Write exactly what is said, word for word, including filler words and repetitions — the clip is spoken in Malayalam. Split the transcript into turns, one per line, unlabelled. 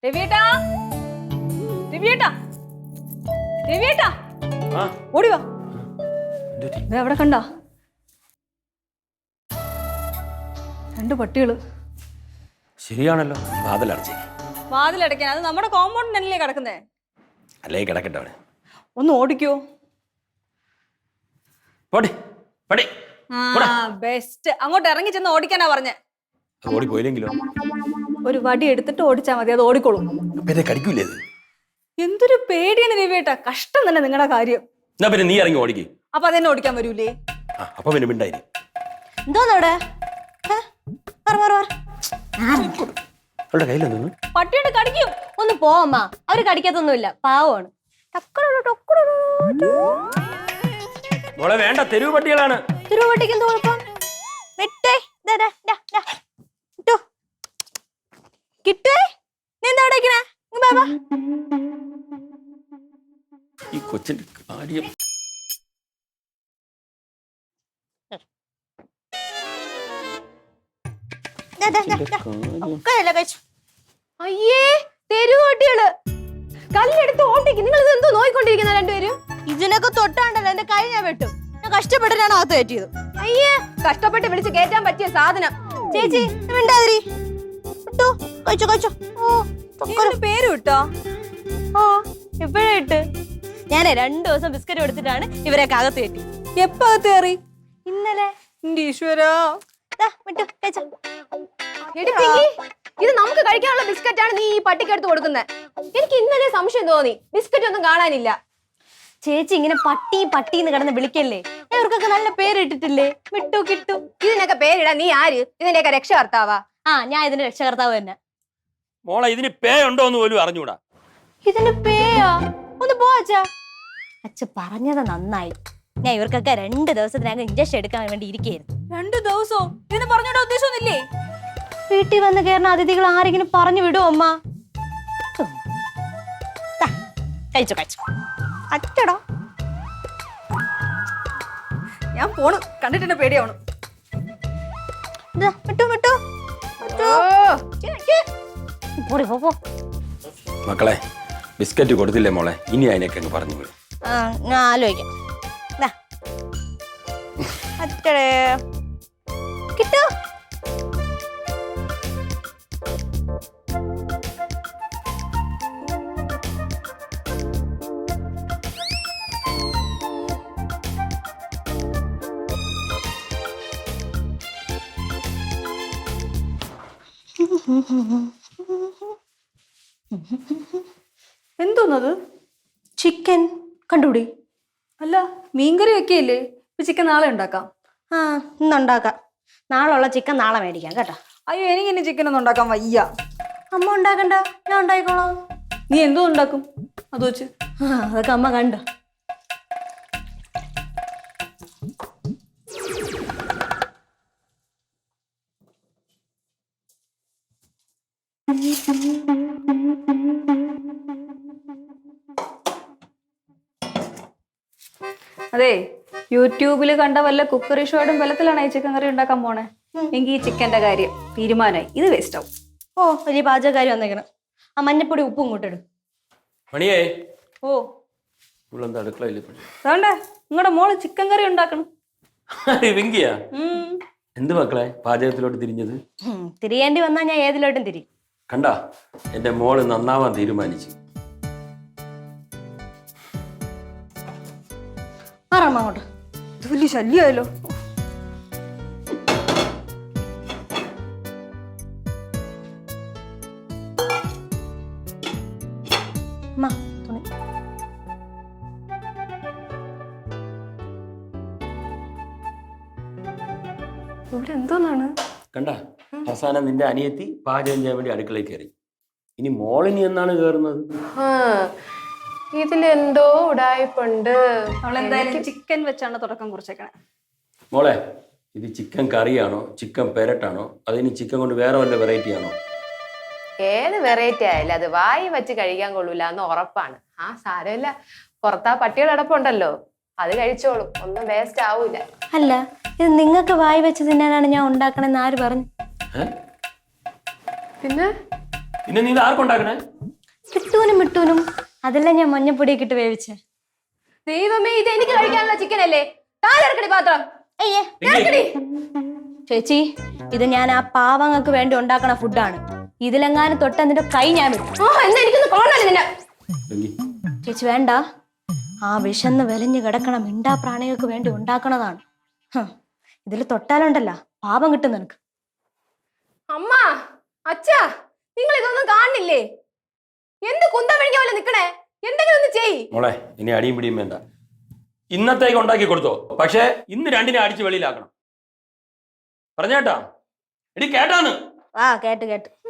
രവിയേട്ടാ രവിയേട്ടാ രവിയേട്ടാ ഓടി വാ. എവിടെ കണ്ട രണ്ട് പട്ടികള്.
ശരിയാണല്ലോ. വാതിലടച്ചേ.
വാതിലടയ്ക്കാൻ അത് നമ്മുടെ കോമ്പൗണ്ടിനല്ലേ കിടക്കുന്നേ?
അല്ലേ കിടക്കട്ടെ അവിടെ.
ഒന്ന് ഓടിക്കോ. ബെസ്റ്റ്. അങ്ങോട്ട് ഇറങ്ങി ചെന്ന് ഓടിക്കാനാ പറഞ്ഞേ.
ഓടി പോയില്ലെങ്കിലോ?
ഒരു വടി എടുത്തിട്ട് ഓടിച്ചാ മതി, അത് ഓടിക്കോളും.
കടിക്കൂലേ?
എന്തൊരു പേടിയാണ് രവിയേട്ടാ. കഷ്ടം തന്നെ നിങ്ങളുടെ കാര്യം.
പിന്നെ നീ ഇറങ്ങി ഓടിക്കേ.
അപ്പൊ അതെന്നെ ഓടിക്കാൻ വരൂലേ?
അപ്പൊ പിന്നെ മിണ്ടായി.
എന്തോന്നവിടെ
പട്ടിയോട് കടിക്കും.
ഒന്ന് പോമ്മ. അവര് കടിക്കത്തൊന്നുമില്ല, പാവമാണ്.
മോളെ വേണ്ട, തെരുവ് പട്ടികളാണ്.
തെരുവ് പട്ടിക്ക് എന്ത് കുഴപ്പം? വിട്ടേ. കിട്ടേ നീ എന്താ അവിടെ?
ഈ കൊച്ചിന്റെ കാര്യം.
അയ്യേ, തെരുവ് പട്ടികള് കല്ലെടുത്ത് ഓട്ടിക്ക്. നിങ്ങൾ ഇത് എന്തോ നോയിക്കൊണ്ടിരിക്കുന്ന രണ്ടുപേരും? ഇതിനൊക്കെ തൊട്ടാണ്ടല്ലോ എന്റെ കൈ ഞാൻ വെട്ടും. ഞാൻ കഷ്ടപ്പെട്ടിട്ടാണ് അകത്ത് കയറ്റിയത്. അയ്യേ, കഷ്ടപ്പെട്ട് വിളിച്ച് കയറ്റാൻ പറ്റിയ സാധനം. ചേച്ചി മിണ്ടാതിരി. കഴിച്ചോ കഴിച്ചോ.
പേര് വിട്ടോ?
ഓ എപ്പോഴാ ഇട്ട്? ഞാനേ രണ്ടു ദിവസം ബിസ്ക്കറ്റ് കൊടുത്തിട്ടാണ് ഇവരെയൊക്കെ അകത്ത് കയറ്റി.
എപ്പ അകത്ത് കയറി?
ഇന്നലെ.
ഈശ്വരാ,
ഇത് നമുക്ക് കഴിക്കാനുള്ള ബിസ്ക്കറ്റ് ആണ് നീ ഈ പട്ടിക്ക് എടുത്ത് കൊടുക്കുന്നത്. എനിക്ക് ഇന്നലെ സംശയം തോന്നി, ബിസ്ക്കറ്റ് ഒന്നും കാണാനില്ല. ചേച്ചി ഇങ്ങനെ പട്ടി പട്ടി എന്ന് കിടന്ന് വിളിക്കല്ലേ? ഇവർക്കൊക്കെ നല്ല പേരിട്ടിട്ടില്ലേ? വിട്ടു കിട്ടു. ഇതിനൊക്കെ പേരിടാ നീ ആര്? ഇതിന്റെയൊക്കെ രക്ഷകർത്താവാ? ആ, ഞാൻ ഇതിന്റെ രക്ഷകർത്താവ് തന്നെ.
മോളെ ഇതിന് പേ ഉണ്ടോ എന്ന് പോലും അറിഞ്ഞൂടാ.
ഇതിന് പേയാ? ഒന്ന് പോ അച്ഛാ. അച്ഛ പറഞ്ഞത് നന്നായി. ഞാൻ ഇവർക്കൊക്കെ രണ്ട് ദിവസത്തിനകം ഇഞ്ചക്ഷൻ എടുക്കാൻ വേണ്ടി ഇരിക്കുകയായിരുന്നു.
രണ്ടു ദിവസവും ഇതിന് പറഞ്ഞോടെ ഉദ്ദേശമൊന്നുമില്ലേ?
വീട്ടിൽ വന്ന് കയറുന്ന അതിഥികൾ ആരെങ്കിലും പറഞ്ഞു വിടുമോ അമ്മ? കഴിച്ചു കഴിച്ചു. അച്ചടോ,
ഞാൻ പോണു. കണ്ടിട്ടെന്നെ പേടിയാവണം.
വിട്ടു വിട്ടു.
മക്കളെ ബിസ്ക്കറ്റ് കൊടുത്തില്ലേ മോളെ? ഇനി അതിനൊക്കെ അങ്ങ് പറഞ്ഞു വിടും.
ഞാൻ ആലോചിക്കാം. അച്ചടേ കിട്ടോ?
എന്തോന്നത്?
ചിക്കൻ കണ്ടുപിടി.
അല്ല, മീൻകറി വെക്കയില്ലേ? ഇപ്പൊ ചിക്കൻ നാളെ ഉണ്ടാക്കാം.
ആ, ഇന്നുണ്ടാക്കാം. നാളെയുള്ള ചിക്കൻ നാളെ മേടിക്കാം കേട്ടോ.
അയ്യോ, എനിക്ക് ഇനി ചിക്കൻ ഒന്നും ഉണ്ടാക്കാൻ വയ്യ.
അമ്മ ഉണ്ടാക്കണ്ട, ഞാൻ ഉണ്ടായിക്കോളാം.
നീ എന്തോ ഉണ്ടാക്കും അത് വെച്ച്?
അതൊക്കെ അമ്മ കണ്ടു.
അതെ, യൂട്യൂബില് കണ്ട വല്ല കുക്കറി ഷോയുടെ ബലത്തിലാണ് ഈ ചിക്കൻ കറി ഉണ്ടാക്കാൻ പോണേ. എങ്കിൽ ഈ ചിക്കന്റെ കാര്യം തീരുമാനമായി. ഇത് വേസ്റ്റ് ആവും.
ഓ, വലിയ പാചകക്കാരി വന്നേക്കണം. ആ മഞ്ഞപ്പൊടി ഉപ്പും കൂട്ടിടും.
മണിയേ.
ഓ,
അടുക്കളയില്ലേ
നിങ്ങളുടെ മോള് ചിക്കൻ കറി ഉണ്ടാക്കണം.
എന്ത് മക്കളെ പാചകത്തിലോട്ട് തിരിഞ്ഞത്?
തിരിയേണ്ടി വന്നാ ഞാൻ ഏതിലോട്ടും തിരി.
കണ്ടാ, എന്റെ മോള് നന്നാവാൻ തീരുമാനിച്ചു.
ആറാമ്മ അങ്ങോട്ട്.
ഇത് വലിയ ശല്യമായല്ലോ. ഇവിടെ എന്തോന്നാണ്?
കണ്ടാ, അവസാനം നിന്റെ അനിയത്തി പാചകം ചെയ്യാൻ വേണ്ടി അടുക്കളയിൽ കയറി. ഇനി മോളിനി എന്നാണ് കയറുന്നത്?
ഇതിലെന്തോ ഉടായ്പുണ്ട്.
അവളെന്തായാലും ചിക്കൻ വെച്ചാണ് തുടക്കം കുറിച്ചേക്കണേ.
മോളെ, ഇത് ചിക്കൻ കറിയാണോ ചിക്കൻ പെരട്ടാണോ അതിന് ചിക്കൻ കൊണ്ട് വേറെ വല്ല വെറൈറ്റി ആണോ?
ഏത് വെറൈറ്റി ആയാലും അത് വായി വെച്ച് കഴിക്കാൻ കൊള്ളൂല എന്ന് ഉറപ്പാണ്. ആ സാരമില്ല, പുറത്താ പട്ടികൾ അടപ്പുണ്ടല്ലോ, അത് കഴിച്ചോളും, ഒന്നും വേസ്റ്റ് ആവൂല.
അല്ല, ഇത് നിങ്ങൾക്ക് വായി വെച്ച് തിന്നാനാണ് ഞാൻ ഉണ്ടാക്കണെന്ന് ആര് പറഞ്ഞു?
പിന്നെ
പിന്നെ നീ ഇത് ആർക്കുണ്ടാക്കണേ?
കിട്ടൂനും മിട്ടൂനും അതെല്ലാം ഞാൻ മഞ്ഞപ്പൊടിയൊക്കെ ഇട്ട് വേവിച്ചേ. ദൈവമേ, ഇത് എനിക്ക് കഴിക്കാനുള്ള ചിക്കൻ അല്ലേ? താഴെക്കടി പാത്രം. അയ്യേ ഇറക്കടി. ചേച്ചി, ഇത് ഞാൻ ആ പാവങ്ങൾക്ക് വേണ്ടി ഉണ്ടാക്കണ ഫുഡാണ്. ഇതിലെങ്ങാനും തൊട്ട് നിന്റെ കൈ ഞാൻ വിട്ടു. ആ എന്നാ എനിക്കൊന്ന് കാണാൻ നിന്നെ. ചേച്ചി വേണ്ട, ആ വിശന്ന് വെലഞ്ഞു കിടക്കണ മിണ്ടാ പ്രാണികൾക്ക് വേണ്ടി ഉണ്ടാക്കണതാണ്. ഇതിൽ തൊട്ടാലുണ്ടല്ല പാപം കിട്ടും നിനക്ക്. അമ്മ, അച്ഛാ, നിങ്ങൾ ഇതൊന്നും കാണുന്നില്ലേ? എന്ത് കുന്തം വിഴിഞ്ഞ പോലെ നിക്കണേ? എന്തെങ്കിലും ഒന്ന് ചെയ്
മോളെ. ഇനി അടിയും പിടിയും വേണ്ട. ഇന്നത്തേക്ക് ഉണ്ടാക്കി കൊടുത്തോ, പക്ഷേ ഇന്ന് രണ്ടിനെ അടിച്ച് വെളിയിലാക്കണം. പറഞ്ഞേട്ടാ? എടി കേട്ടാന്ന്?
ആ കേട്ട് കേട്ട്.